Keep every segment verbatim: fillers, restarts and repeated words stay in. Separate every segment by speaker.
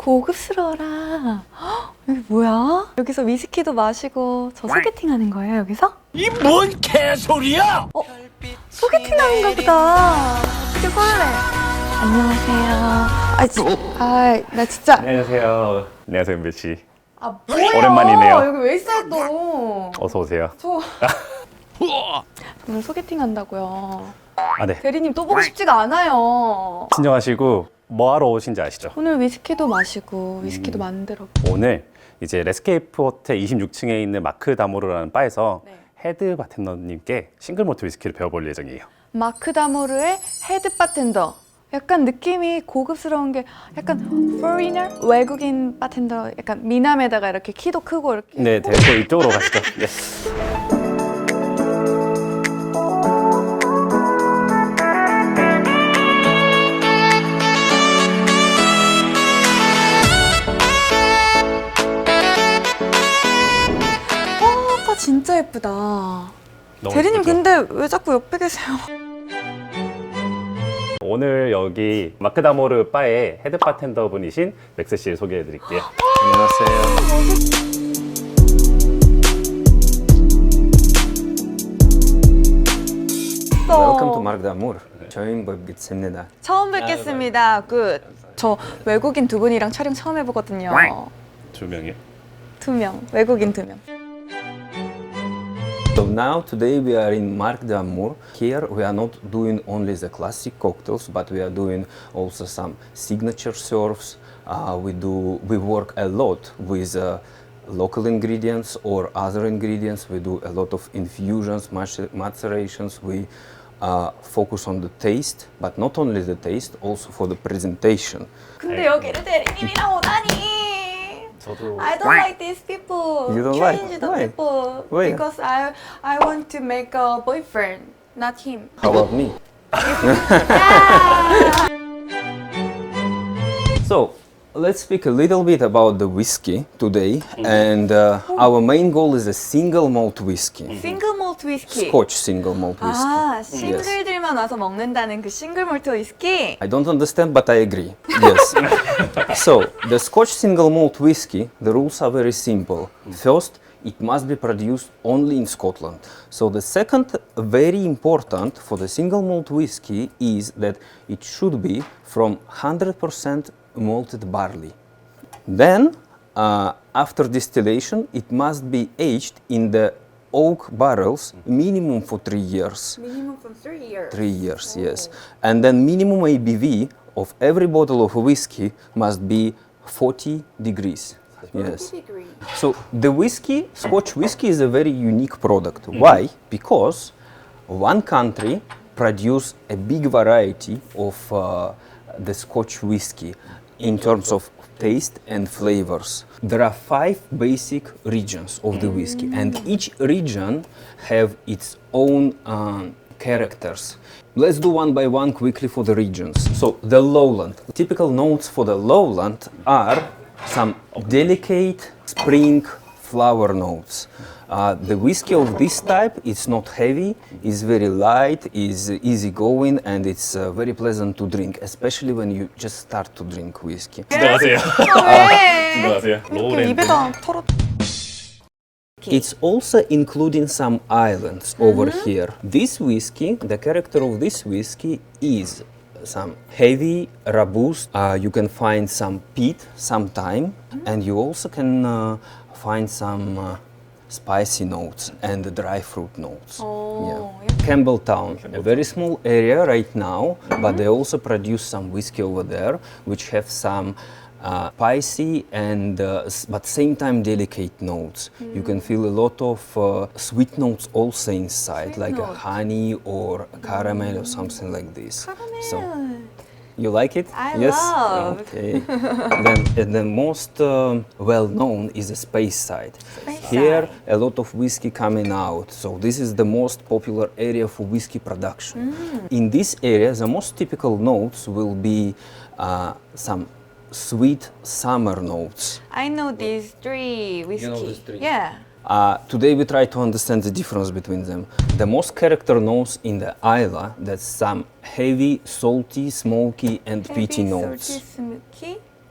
Speaker 1: 고급스러워라. 헉, 여기 뭐야? 여기서 위스키도 마시고 저 소개팅 하는 거예요, 여기서?
Speaker 2: 이 뭔 개소리야!
Speaker 1: 어? 소개팅 하는가 보다. 되게 설레. 안녕하세요. 아, 지, 아, 나 진짜.
Speaker 3: 안녕하세요. 안녕하세요, 은배 씨.
Speaker 1: 아, 뭐예요?
Speaker 3: 오랜만이네요.
Speaker 1: 여기 왜 있어요, 또?
Speaker 3: 어서 오세요.
Speaker 1: 저 오늘 소개팅 한다고요.
Speaker 3: 아, 네.
Speaker 1: 대리님 또 보고 싶지가 않아요.
Speaker 3: 진정하시고 뭐 하러 오신지 아시죠?
Speaker 1: 오늘 위스키도 마시고 위스키도 만들어.
Speaker 3: 오늘 이제 레스케이프 호텔 이십육 층에 있는 마크 다모르라는 바에서
Speaker 1: 네.
Speaker 3: 헤드 바텐더님께 싱글 몰트 위스키를 배워볼 예정이에요.
Speaker 1: 마크 다모르의 헤드 바텐더. 약간 느낌이 고급스러운 게 약간 foreigner? 외국인 바텐더, 약간 미남에다가 이렇게 키도 크고 이렇게.
Speaker 3: 네, 네, 또 이쪽으로 가시죠. 네.
Speaker 1: 아, 진짜 예쁘다.
Speaker 3: 너무
Speaker 1: 대리님
Speaker 3: 예쁘죠?
Speaker 1: 근데 왜 자꾸 옆에 계세요?
Speaker 3: 오늘 여기 마크 다모르 바의 헤드 바텐더 분이신 맥스 씨를 소개해 드릴게요.
Speaker 4: 안녕하세요. Welcome to Mark Damour. 저희 뵙겠습니다.
Speaker 1: 처음 뵙겠습니다. 굿. 저 외국인 두 분이랑 촬영 처음 해보거든요.
Speaker 3: 두 명이요?
Speaker 1: 두 명. 외국인 두 명.
Speaker 4: So now today we are in Mark Damour. Here we are not doing only the classic cocktails, but we are doing also some signature serves. Uh, we do we work a lot with uh, local ingredients or other ingredients. We do a lot of infusions, macer- macerations. We uh, focus on the taste, but not only the taste, also for the presentation.
Speaker 1: 근데 여기를 대리님이랑 오다니.
Speaker 3: 저도
Speaker 1: I don't like these people.
Speaker 4: You don't
Speaker 1: Change
Speaker 4: like?
Speaker 1: the
Speaker 4: Why?
Speaker 1: people.
Speaker 4: Why?
Speaker 1: Because I I want to make a boyfriend, not him.
Speaker 4: How about me? So, let's speak a little bit about the whiskey today. And uh, our main goal is a single malt whiskey.
Speaker 1: 싱글 몰트 위스키.
Speaker 4: Scotch single malt whiskey.
Speaker 1: 아, 싱글들만 와서 먹는다는 그 싱글 몰트 위스키.
Speaker 4: I don't understand, but I agree. Yes. So, the Scotch single malt whiskey, the rules are very simple. First, it must be produced only in Scotland. So, the second, very important for the single malt whiskey is that it should be from one hundred percent malted barley. Then, uh, after distillation, it must be aged in the oak barrels minimum for three years.
Speaker 1: Minimum from three years.
Speaker 4: Three years, yes. And then minimum A B V of every bottle of whiskey must be forty degrees. Yes. So the whiskey, Scotch whiskey, is a very unique product. Why? Because one country produce a big variety of uh, the Scotch whiskey in terms of taste and flavors. There are five basic regions of the whiskey, and each region have its own um, characters. Let's do one by one quickly for the regions. So the lowland. Typical notes for the lowland are some delicate spring flower notes. Uh, the whiskey of this type is not heavy, is very light, is easy going, and it's uh, very pleasant to drink, especially when you just start to drink whiskey.
Speaker 3: 안녕하세요.
Speaker 1: 왜?
Speaker 3: 안녕하세요.
Speaker 1: 이렇게
Speaker 3: 로우랜드.
Speaker 1: 입에다 털어.
Speaker 4: It's also including some islands over here. This whiskey, the character of this whiskey is some heavy, robust. Uh, you can find some peat, some thyme, and you also can uh, find some uh, spicy notes and dry fruit notes.
Speaker 1: Oh,
Speaker 4: Campbelltown, a very small area right now, but they also produce some whiskey over there, which have some uh, spicy and uh, s- but same time delicate notes. You can feel a lot of uh, sweet notes also inside,
Speaker 1: Sweet
Speaker 4: like a
Speaker 1: note.
Speaker 4: honey or caramel or something like this. So,
Speaker 1: 카라멜.
Speaker 4: you like it?
Speaker 1: I
Speaker 4: yes.
Speaker 1: love.
Speaker 4: Okay. Then uh, the most um, well known is the space side.
Speaker 1: Space
Speaker 4: Here,
Speaker 1: side.
Speaker 4: a lot of whiskey coming out. So this is the most popular area for whiskey production. In this area, the most typical notes will be uh, some sweet summer notes.
Speaker 1: I know these three whiskey.
Speaker 4: know these three?
Speaker 1: Yeah.
Speaker 4: Uh, today we try to understand the difference between them. The most character notes in the Isla, that's some heavy, salty, smoky and peaty
Speaker 1: Heavy,
Speaker 4: notes.
Speaker 1: salty, smoky.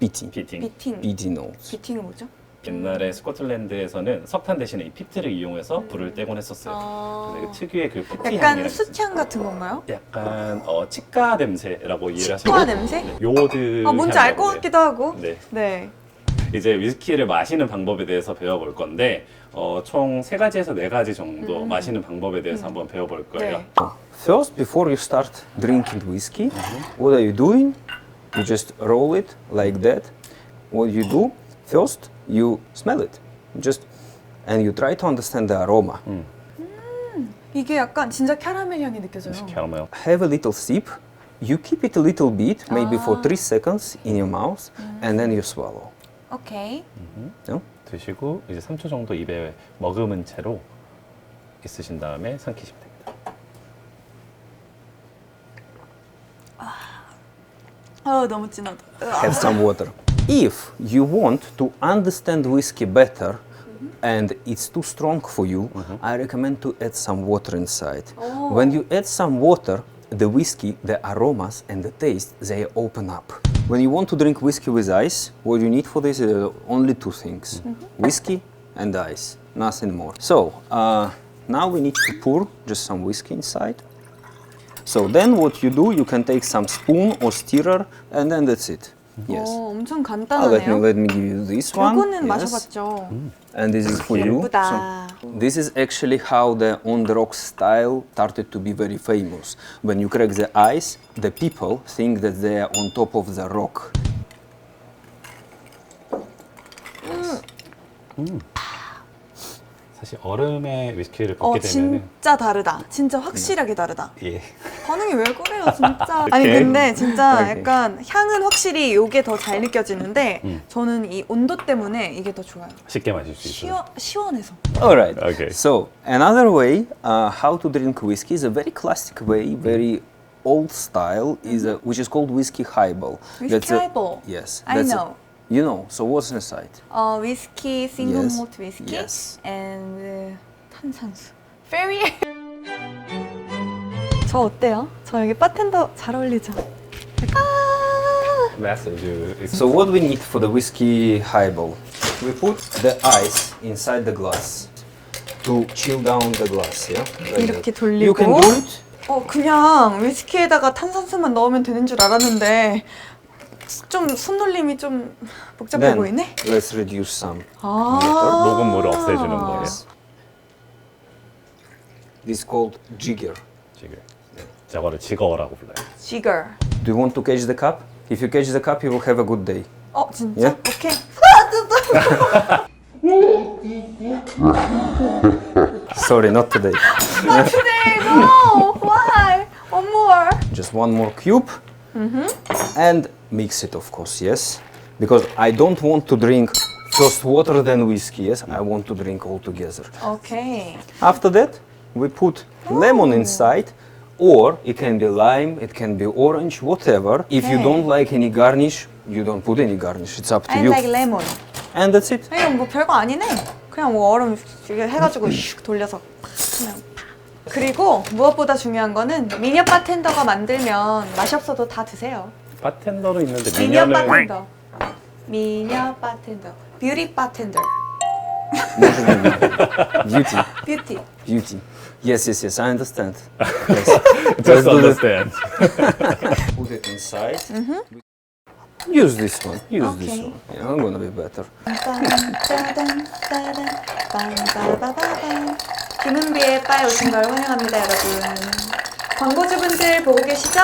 Speaker 4: Pitting.
Speaker 3: 피팅.
Speaker 1: 비팅.
Speaker 4: P D notes.
Speaker 1: 비팅은 뭐죠?
Speaker 3: 옛날에 스코틀랜드에서는 석탄 대신에 이 피트를 이용해서 불을 떼곤 했었어요.
Speaker 1: 아.
Speaker 3: 그래서 그 특유의 그 피트
Speaker 1: 약간
Speaker 3: 향이라는
Speaker 1: 수향 같은 건가요?
Speaker 3: 약간 어, 치과 냄새라고 이해를 하시고
Speaker 1: 치과 냄새?
Speaker 3: 네, 요오드
Speaker 1: 아 뭔지 알 것
Speaker 3: 향이라고
Speaker 1: 같기도 하고.
Speaker 3: 네.
Speaker 1: 네.
Speaker 3: 이제 위스키를 마시는 방법에 대해서 배워볼 건데 어, 총 세 가지에서 네 가지 정도 마시는 방법에 대해서 한번 배워볼 거예요.
Speaker 1: 네.
Speaker 4: First, before you start drinking whiskey, what are you doing? You just roll it like that. What you do, first, you smell it. Just, and you try to understand the aroma.
Speaker 1: 이게 약간 진짜 캐러멜 향이 느껴져요.
Speaker 3: 캐러멜.
Speaker 4: Have a little sip. You keep it a little bit, maybe for
Speaker 1: Ah.
Speaker 4: three seconds in your mouth, and then you swallow.
Speaker 1: 오케이.
Speaker 4: No?
Speaker 3: 드시고 이제 삼 초 정도 입에 머금은 채로 있으신 다음에 삼키시면 됩니다.
Speaker 1: 아 너무 진하다.
Speaker 4: Have some water. If you want to understand whiskey better and it's too strong for you, I recommend to add some water inside. When you add some water, the whiskey, the aromas and the taste, they open up. When you want to drink whiskey with ice, what you need for this is only two things. Whiskey and ice, nothing more. So, uh, now we need to pour just some whiskey inside. So then what you do, you can take some spoon or stirrer and then that's it. Yes.
Speaker 1: 어, 엄청
Speaker 4: Ah, let me
Speaker 1: 간단하네요.
Speaker 4: let me give you this one.
Speaker 1: 요거는
Speaker 4: Yes.
Speaker 1: 마셔봤죠.
Speaker 4: And this is for you.
Speaker 1: 예쁘다.
Speaker 4: So, this is actually how the on the rock style started to be very famous. When you crack the ice, the people think that they are on top of the rock.
Speaker 3: 사실 얼음에 위스키를
Speaker 1: 어
Speaker 3: 붓게 되면은
Speaker 1: 진짜 다르다. 진짜 확실하게 다르다.
Speaker 3: 예.
Speaker 1: 반응이 왜 그래요, 진짜. 아니 근데 진짜
Speaker 4: 오케이.
Speaker 1: 약간 향은 확실히 이게 더 잘 느껴지는데
Speaker 3: 음.
Speaker 1: 저는 이 온도 때문에 이게 더 좋아요.
Speaker 3: 쉽게 마실 수 있어요.
Speaker 1: 시원 시원해서.
Speaker 4: All right.
Speaker 3: Okay.
Speaker 4: So another way uh, how to drink whiskey is a very classic way, very old style, is a, which is called whiskey highball.
Speaker 1: Whiskey
Speaker 4: That's a-
Speaker 1: highball.
Speaker 4: yes.
Speaker 1: I
Speaker 4: that's a-
Speaker 1: know.
Speaker 4: you know. So what's inside?
Speaker 1: 어 위스키, 싱글
Speaker 4: Yes.
Speaker 1: 몰트 위스키,
Speaker 4: Yes.
Speaker 1: and 탄산수. 페리. 저 어때요? 저 여기 바텐더 잘 어울리죠? 아.
Speaker 3: 메시지.
Speaker 4: So what we need for the whiskey highball? We put the ice inside the glass to chill down the glass. Yeah. Like
Speaker 1: 이렇게
Speaker 4: that. You can
Speaker 1: 돌리고.
Speaker 4: do it.
Speaker 1: 어 그냥 위스키에다가 탄산수만 넣으면 되는 줄 알았는데 좀 손놀림이 좀 복잡해
Speaker 4: Then
Speaker 1: 보이네.
Speaker 4: let's reduce some.
Speaker 1: 아.
Speaker 3: 녹음물을 없애주는 거예요.
Speaker 4: This is called jigger.
Speaker 3: 지금 저거를 지거라고 불러요.
Speaker 1: 지거.
Speaker 4: Do you want to catch the cup? If you catch the cup, you will have a good day.
Speaker 1: 어 진짜?
Speaker 4: Yeah?
Speaker 1: 오케이.
Speaker 4: Sorry, not today.
Speaker 1: Not today, no. Why? One more.
Speaker 4: Just one more cube. And mix it, of course, yes. Because I don't want to drink first water, then whiskey, yes. I want to drink all together.
Speaker 1: 오케이.
Speaker 4: After that, we put lemon inside, or it can be lime, it can be orange, whatever. If you
Speaker 1: Okay.
Speaker 4: don't like any garnish, you don't put any garnish. It's up to
Speaker 1: I
Speaker 4: you.
Speaker 1: like lemon.
Speaker 4: And that's it.
Speaker 1: 이건 뭐 별거 아니네. 그냥 뭐 얼음 이렇게 해가지고 슉 돌려서 그냥. 팍. 그리고 무엇보다 중요한 거는 미녀 바텐더가 만들면 맛이 없어도 다 드세요.
Speaker 3: 바텐더로 있는데
Speaker 1: 미녀
Speaker 3: 미녀는
Speaker 1: 바텐더. 미녀 바텐더. 뷰티 바텐더.
Speaker 4: Beauty.
Speaker 1: 뷰티.
Speaker 4: Beauty. Yes, yes, yes, I understand. Yes.
Speaker 3: just
Speaker 4: do this.
Speaker 3: understand.
Speaker 4: Put it inside. Use this one. Use this
Speaker 1: Okay.
Speaker 4: one. Yeah, I'm gonna be better.
Speaker 1: 빰빰따단, 따단, 빰빠바바밤. 김은비의 바에 오신 걸 환영합니다, 여러분. 광고주분들 보고 계시죠?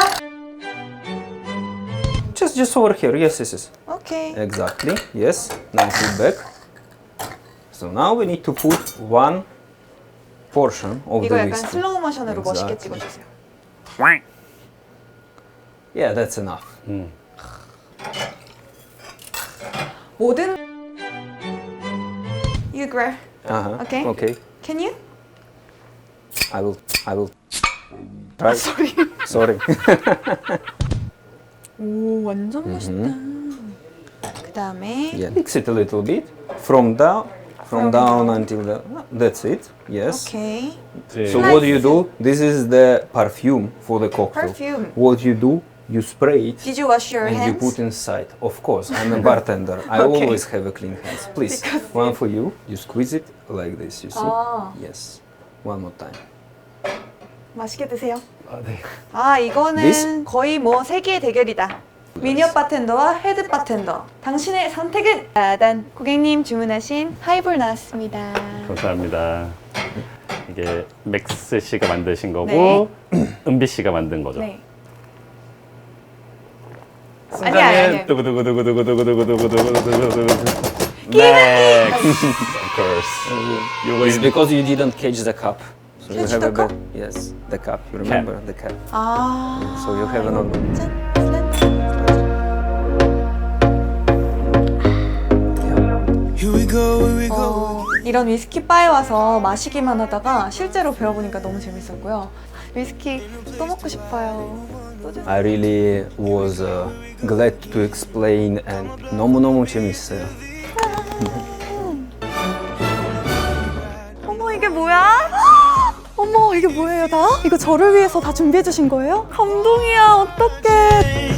Speaker 4: Just, just over here. Yes, yes, yes.
Speaker 1: 오케이.
Speaker 4: Exactly. Yes. Now put back. So now we need to put one portion of
Speaker 1: 이거
Speaker 4: the
Speaker 1: 약간
Speaker 4: whiskey.
Speaker 1: 슬로우 모션으로 멋있게
Speaker 4: Exactly.
Speaker 1: 찍어주세요.
Speaker 4: Yeah, that's enough.
Speaker 1: 모든 You grab.
Speaker 4: Uh-huh.
Speaker 1: Okay.
Speaker 4: Okay.
Speaker 1: Can you?
Speaker 4: I will. I will. Try.
Speaker 1: Sorry.
Speaker 4: Sorry.
Speaker 1: 오 완전 멋있다. 그 다음에
Speaker 4: Yeah. Mix it a little bit from down, from
Speaker 1: From
Speaker 4: down
Speaker 1: down.
Speaker 4: until the. That's it. Yes.
Speaker 1: 오케이.
Speaker 3: 이제
Speaker 4: So what do you do? This is the perfume for the cocktail.
Speaker 1: Perfume.
Speaker 4: What you do? you spray it
Speaker 1: Did you wash your
Speaker 4: and you
Speaker 1: hands?
Speaker 4: put inside. Of course, I'm a bartender. I
Speaker 1: Okay.
Speaker 4: always have a clean hands. Please, one for you. You squeeze it like this. You see?
Speaker 1: 아.
Speaker 4: Yes. One more time.
Speaker 1: 맛있게 드세요.
Speaker 3: 아, 네.
Speaker 1: 아 이거는
Speaker 4: This?
Speaker 1: 거의 뭐 세계의 대결이다. 미니어 바텐더와 헤드 바텐더. 당신의 선택은? 짜잔. 고객님 주문하신 하이볼 나왔습니다.
Speaker 3: 감사합니다. 이게 맥스 씨가 만드신 거고 은비 씨가 만든 거죠.
Speaker 1: 네. 아니야, 아니야, 아니야.
Speaker 3: 두구두구두구두구두구두구두구두구두구두구. Next, of course. 요거
Speaker 4: It's
Speaker 3: 인-
Speaker 4: because you didn't catch the cup. So you
Speaker 1: Catch
Speaker 4: have
Speaker 1: the
Speaker 4: a
Speaker 1: cup?
Speaker 4: bit- Yes, the cup. You remember the cap.
Speaker 1: 아.
Speaker 4: So you have another.
Speaker 1: 짠, 짠.
Speaker 2: Here we go, here we go.
Speaker 1: 어, 이런 위스키 바에 와서 마시기만 하다가 실제로 배워보니까 너무 재밌었고요. 위스키 또 먹고 싶어요. 또 주세요.
Speaker 4: I really was uh, glad to explain and 너무너무 재밌어요.
Speaker 1: 어머 이게 뭐야? 어머 이게 뭐예요 다? 이거 저를 위해서 다 준비해 주신 거예요? 감동이야 어떡해.